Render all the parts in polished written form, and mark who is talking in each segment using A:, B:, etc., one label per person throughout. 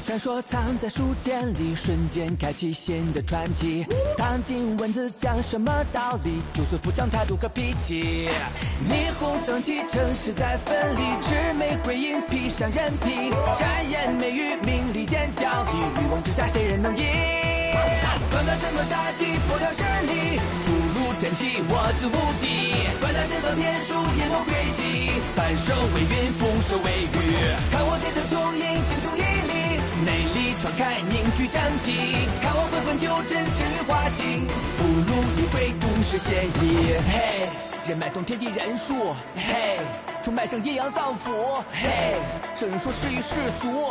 A: 传说藏在书简里，瞬间开启新的传奇。唐今文字讲什么道理？就算富强态度和脾气。霓虹灯起，城市在分离，魑魅鬼影披上人皮，谗言媚语，名利间交集，欲望之下谁人能赢？管他什么杀机，破掉势力，出入真气，我自无敌。管他什么骗术，阴谋诡计，反手为云，俯首为雨。看我天生聪颖，精通毅力，内力传开，凝聚战机。看我混混纠正，真与化境，俘虏一回，共识协议。嘿，人脉通天地人术，嘿，出卖上阴阳脏腑，嘿，圣人说事与世俗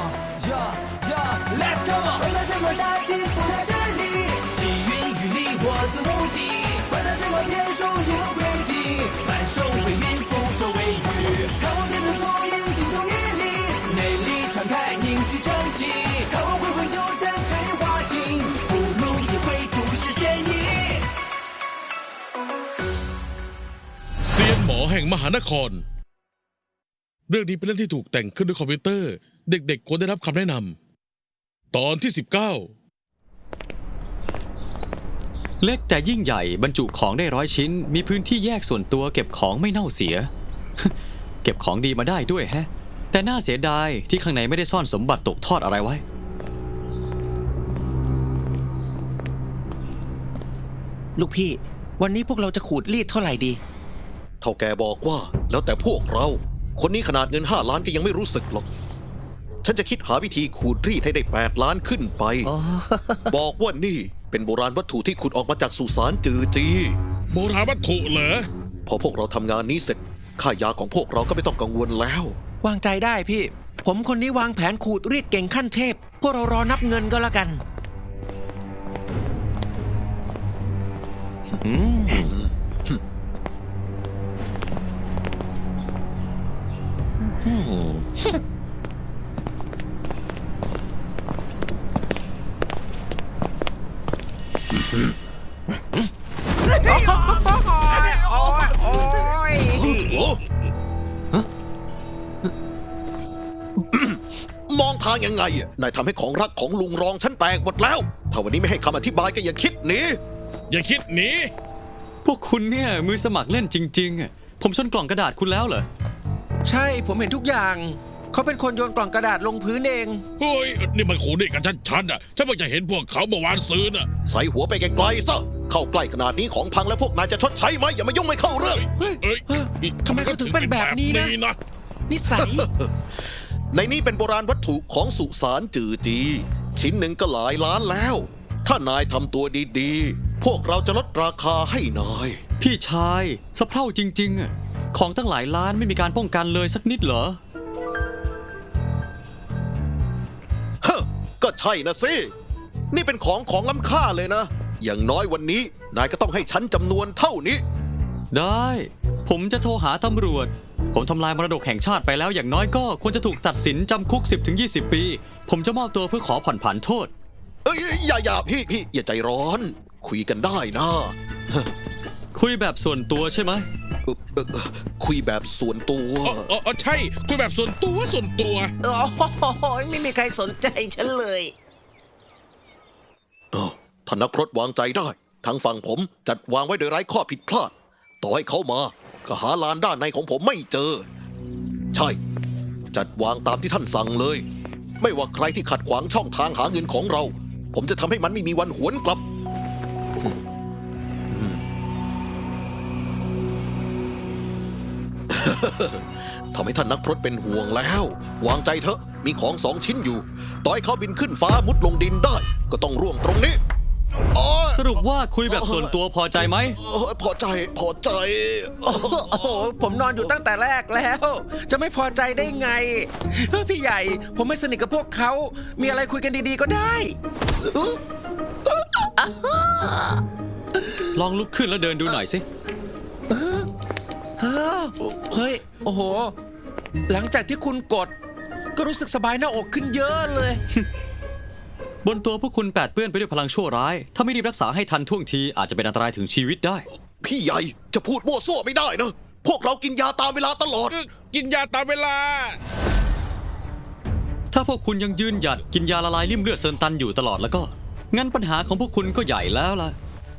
A: ，Let's come on。管他什么杀气，不太势力，气运与力，我自无敌。管他什么骗术，阴谋诡计，反手为云，俯首为雨。看我天资聪颖，精通毅力，内力传开，凝聚正气。看我回魂纠正，真与化境，俘虏一回，共识协议。
B: เซียนหมอแห่งมหานครเรื่องนี้เป็นเรื่องที่ถูกแต่งขึ้นด้วยคอมพิวเตอร์เด็กๆควรได้รับคำแนะนำตอนที่ 19
C: เล็กแต่ยิ่งใหญ่บรรจุของได้100 ชิ้นมีพื้นที่แยกส่วนตัวเก็บของไม่เน่าเสีย เก็บของดีมาได้ด้วยแฮะแต่น่าเสียดายที่ข้างในไม่ได้ซ่อนสมบัติตกทอดอะไรไว้
D: ลูกพี่วันนี้พวกเราจะขูดรีดเท่าไหร่ดี
E: เท่าแกบอกว่าแล้วแต่พวกเราคนนี้ขนาดเงิน5 ล้านก็ยังไม่รู้สึกหรอกฉันจะคิดหาวิธีขูดรีดให้ได้8 ล้านขึ้นไป บอกว่านี่เป็นโบราณวัตถุที่ขุดออกมาจากสุสานจือจี
B: โบราณวัตถุเหรอ
E: พอพวกเราทำงานนี้เสร็จค่ายาของพวกเราก็ไม่ต้องกังวลแล้ว
D: วางใจได้พี่ผมคนนี้วางแผนขูดรีดเก่งขั้นเทพพวกเรารอนับเงินก็แล้วกัน
E: มองทางยังไงนายทำให้ของรักของลุงรองฉันแตกหมดแล้วถ้าวันนี้ไม่ให้คำอธิบายก็อย่าคิดหนี
B: อย่าคิดหนี
C: พวกคุณเนี่ยมือสมัครเล่นจริงๆผมชนกล่องกระดาษคุณแล้วเหรอ
D: ใช่ผมเห็นทุกอย่างเขาเป็นคนโยนกล่องกระดาษลงพื้นเอง
B: เฮ้ยนี่มันขู่นี่กันชัดๆอ่ะฉันเพิ่งจะเห็นพวกเขาเมื่อวานซืนอ่ะ
E: ใส่หัวไปไกลๆซะเข้าใกล้ขนาดนี้ของพังแล้วพวกนายจะชดใช้ไหมอย่ามายุ่งไม่เข้าเรื่อง
D: ทำไมเขาถึงเป็นแบบนี้นะนิสัย
E: ในนี้เป็นโบราณวัตถุของสุสานจือจีชิ้นหนึ่งก็หลายล้านแล้วถ้านายทำตัวดีๆพวกเราจะลดราคาให้นาย
C: พี่ชายสะเพร่าจริงๆของตั้งหลายล้านไม่มีการป้องกันเลยสักนิดเหรอ
E: ก็ใช่นะสินี่เป็นของล้ำค่าเลยนะอย่างน้อยวันนี้นายก็ต้องให้ฉันจำนวนเท่านี้
C: ได้ผมจะโทรหาตำรวจผมทำลายมรดกแห่งชาติไปแล้วอย่างน้อยก็ควรจะถูกตัดสินจำคุก 10-20 ปีผมจะมอบตัวเพื่อขอผ่อนผันโทษ
E: อย่าพี่อย่าใจร้อนคุยกันได้นะ
C: คุยแบบส่วนตัวใช่ไหม
E: คุยแบบส่วนตัว
B: ใช่คุยแบบส่วนตัว
D: ไม่มีใครสนใจฉันเลย
E: ท่านนักพรตวางใจได้ทั้งฝั่งผมจัดวางไว้โดยไร้ข้อผิดพลาดต่อให้เขามาก็หาลานด้านในของผมไม่เจอใช่จัดวางตามที่ท่านสั่งเลยไม่ว่าใครที่ขัดขวางช่องทางหาเงินของเราผมจะทำให้มันไม่มีวันหวนกลับทำให้ท่านนักพรตเป็นห่วงแล้ววางใจเถอะมีของ2 ชิ้นอยู่ต่อให้เขาบินขึ้นฟ้ามุดลงดินได้ก็ต้องร่วงตรงนี้
C: สรุปว่าคุยแบบส่วนตัวพอใจไหม
E: พอใจ
D: ผมนอนอยู่ตั้งแต่แรกแล้วจะไม่พอใจได้ไงพี่ใหญ่ผมไม่สนิทกับพวกเขามีอะไรคุยกันดีๆก็ได้
C: ลองลุกขึ้นแล้วเดินดูหน่อยสิ
D: เฮ้ยโอ้โหหลังจากที่คุณกดก็รู้สึกสบายหน้าอกขึ้นเยอะเลย
C: บนตัวพวกคุณแปดเปื้อนไปด้วยพลังชั่วร้ายถ้าไม่รีบรักษาให้ทันท่วงทีอาจจะเป็นอันตรายถึงชีวิตได้
E: พี่ใหญ่จะพูดมั่วซั่วไม่ได้นะพวกเรากินยาตามเวลาตลอด
B: กินยาตามเวลา
C: ถ้าพวกคุณยังยืนหยัดกินยาละลายริ่มเลือดเซินตันอยู่ตลอดแล้วก็ งั้นปัญหาของพวกคุณก็ใหญ่แล้วล่ะ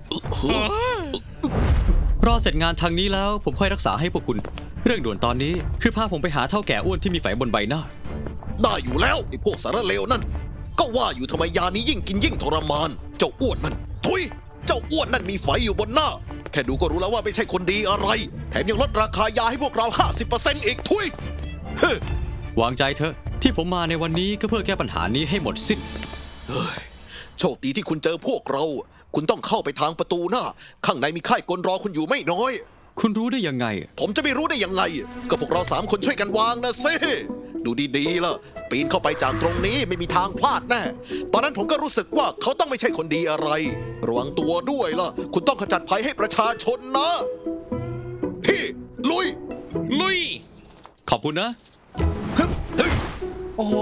C: รอเสร็จงานทางนี้แล้วผมค่อยรักษาให้พวกคุณ เรื่องด่วนตอนนี้คือพาผมไปหาเท่าแก่อ้วนที่มีไฝบนใบหน้า
E: ได้อยู่แล้วไอ้พวกสารเลวนั่น ก็ว่าอยู่ทำไมยานี้ยิ่งกินยิ่งทรมาน เจ้าอ้วนนั่นทุยเจ้าอ้วนนั่นมีไฝอยู่บนหน้า แค่ดูก็รู้แล้วว่าไม่ใช่คนดีอะไร แถมยังลดราคายาให้พวกเรา 50% อีกทุยเฮ้ยว
C: างใจเถอะที่ผมมาในวันนี้ก็เพื่อแก้ปัญหานี้ให้หมดสิ้น
E: โชคดีที่คุณเจอพวกเรา คุณต้องเข้าไปทางประตูหน้า ข้างในมีค่ายกลรอคุณอยู่ไม่น้อย
C: คุณรู้ได้ยังไง
E: ผมจะไม่รู้ได้ยังไง ก็พวกเรา3 คนช่วยกันวางนะเซ่ดูดีๆล่ะ ปีนเข้าไปจากตรงนี้ไม่มีทางพลาดแน่ ตอนนั้นผมก็รู้สึกว่าเขาต้องไม่ใช่คนดีอะไร ระวังตัวด้วยล่ะ คุณต้องขจัดภัยให้ประชาชนนะพี่ลุย
B: ลุย
C: ขอบคุณนะ
E: โอ้โห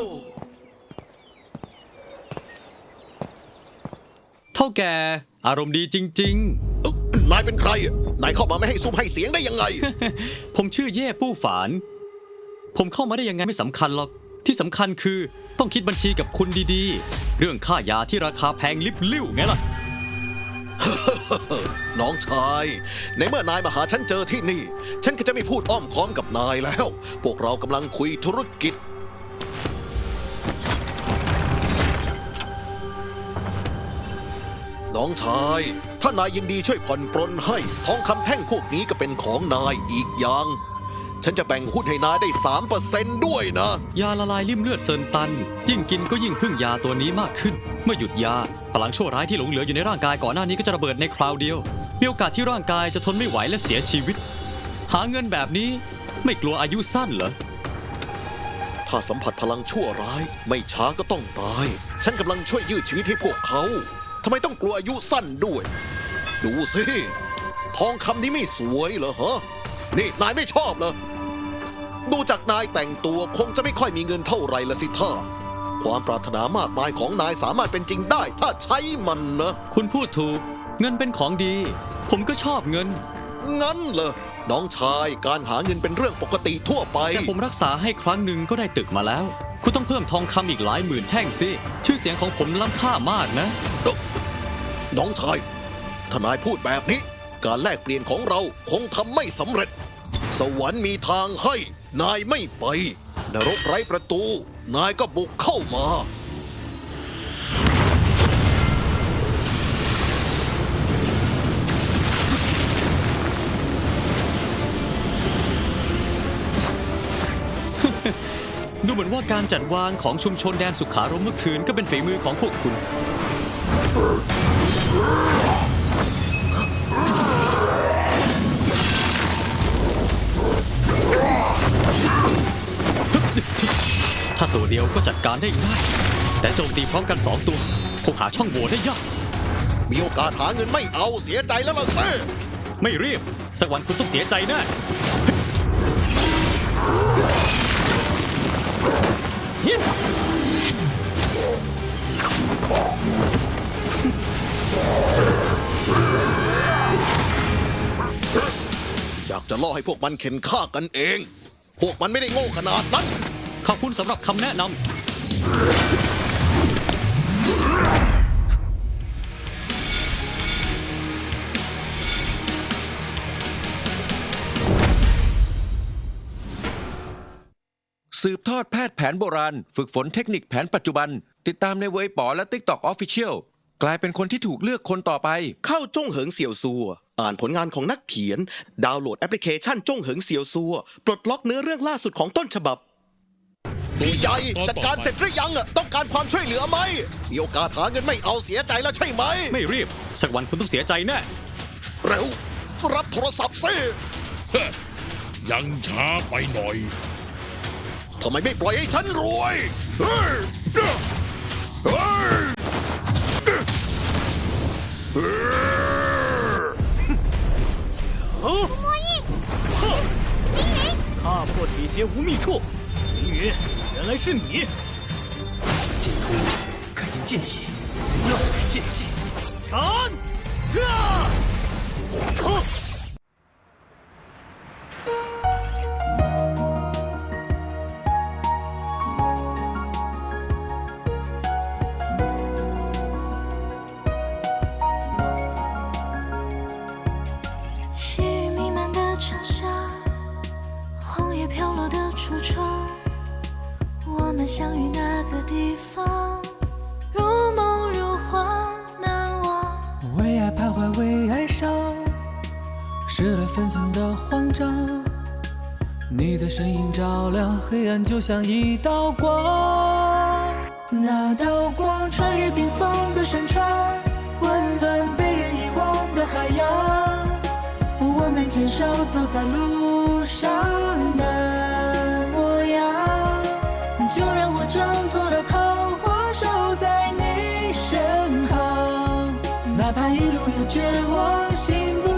C: เท่าแก่อารมณ์ดีจริง
E: นายเป็นใคร นายเข้ามาไม่ให้ซุ่มให้เสียงได้ยังไง
C: ๆ ผมชื่อเย่ปู้ฝาน ผมเข้ามาได้ยังไงไม่สำคัญหรอก ที่สำคัญคือต้องคิดบัญชีกับคุณดีๆ เรื่องค่ายาที่ราคาแพงลิบลิ่วไงล่ะ
E: น้องชาย ในเมื่อนายมาหาฉันเจอที่นี่ ฉันก็จะไม่พูดอ้อมค้อมกับนายแล้ว พวกเรากำลังคุยธุรกิจ น้องชาย ถ้านายยินดีช่วยผ่อนปรนให้ทองคำแท่งพวกนี้ก็เป็นของนายอีกอย่าง ฉันจะแบ่งหุ้นให้นายได้ 3% ด้วยนะ
C: ยาละลายริ่มเลือดเซินตัน ยิ่งกินก็ยิ่งพึ่งยาตัวนี้มากขึ้น เมื่อหยุดยาพลังชั่วร้ายที่หลงเหลืออยู่ในร่างกายก่อนหน้านี้ก็จะระเบิดในคราวเดียวมีโอกาสที่ร่างกายจะทนไม่ไหวและเสียชีวิต หาเงินแบบนี้ไม่กลัวอายุสั้นเหรอ
E: ถ้าสัมผัสพลังชั่วร้าย ไม่ช้าก็ต้องตาย ฉันกำลังช่วยยืดชีวิตให้พวกเขาทำไมต้องกลัวอายุสั้นด้วย ดูสิ ทองคำนี้ไม่สวยเหรอฮะ นี่นายไม่ชอบเหรอ ดูจากนายแต่งตัวคงจะไม่ค่อยมีเงินเท่าไหร่ละสิท่าความปรารถนามากมายของนายสามารถเป็นจริงได้ถ้าใช้มันนะ
C: คุณพูดถูก เงินเป็นของดี ผมก็ชอบเงิน
E: งั้นเหรอ น้องชายการหาเงินเป็นเรื่องปกติทั่วไป
C: แต่ผมรักษาให้ครั้งหนึ่งก็ได้ตึกมาแล้ว คุณต้องเพิ่มทองคำอีกหลายหมื่นแท่งสิ ชื่อเสียงของผมล้ำค่ามากนะ
E: น้องชาย ถ้านายพูดแบบนี้ การแลกเปลี่ยนของเราคงทำไม่สำเร็จ สวรรค์มีทางให้ นายไม่ไป นรกไร้ประตู นายก็บุกเข้ามา
C: ดูเหมือนว่าการจัดวางของชุมชนแดนสุขารมเมื่อคืนก็เป็นฝีมือของพวกคุณ ถ้าตัวเดียวก็จัดการได้ง่าย แต่โจมตีพร้อมกัน2 ตัวคงหาช่องโหว่ได้ยาก
E: มีโอกาสหาเงินไม่เอาเสียใจแล้วล่ะเซ่
C: ไม่รีบ สักวันคุณต้องเสียใจแน่
E: อยากจะล่อให้พวกมันเข็นฆ่ากันเอง พวกมันไม่ได้โง่ขนาดนั้น
C: ขอบคุณสำหรับคำแนะนำ
D: สืบทอดแพทย์แผนโบราณ ฝึกฝนเทคนิคแผนปัจจุบัน ติดตามในเว็บป๋อและ TikTok Official กลายเป็นคนที่ถูกเลือกคนต่อไป
E: เข้าจ้งเหิงเสี่ยวซัว อ่านผลงานของนักเขียน ดาวน์โหลดแอปพลิเคชันจ้งเหิงเสี่ยวซัว ปลดล็อกเนื้อเรื่องล่าสุดของต้นฉบับพี่ใหญ่จัดการเสร็จหรือยังอะต้องการความช่วยเหลือไหม มีโอกาสหาเงินไม่เอาเสียใจแล้วใช่ไหม
C: ไม่รีบ สักวันคุณต้องเสียใจแน่
E: เร็ว รับโทรศัพท์ซิ
B: ยังช้าไปหน่อย
E: ทำไมไม่ปล่อยให้ฉันรวยเฮ้ยเฮ้ย
F: 踏破铁鞋无觅处，凌云，原来是你！
A: 剑突改变剑气，那就是剑气。
F: 斩！啊！哼！
G: 相遇那个地方，如梦如幻难忘。
A: 为爱徘徊，为爱伤，失了分寸的慌张。你的身影照亮黑暗，就像一道光。那道光穿越冰封的山川，温暖被人遗忘的海洋。我们牵手走在路上的模样，就让我挣脱了彷徨，守在你身旁。哪怕一路有绝望，心不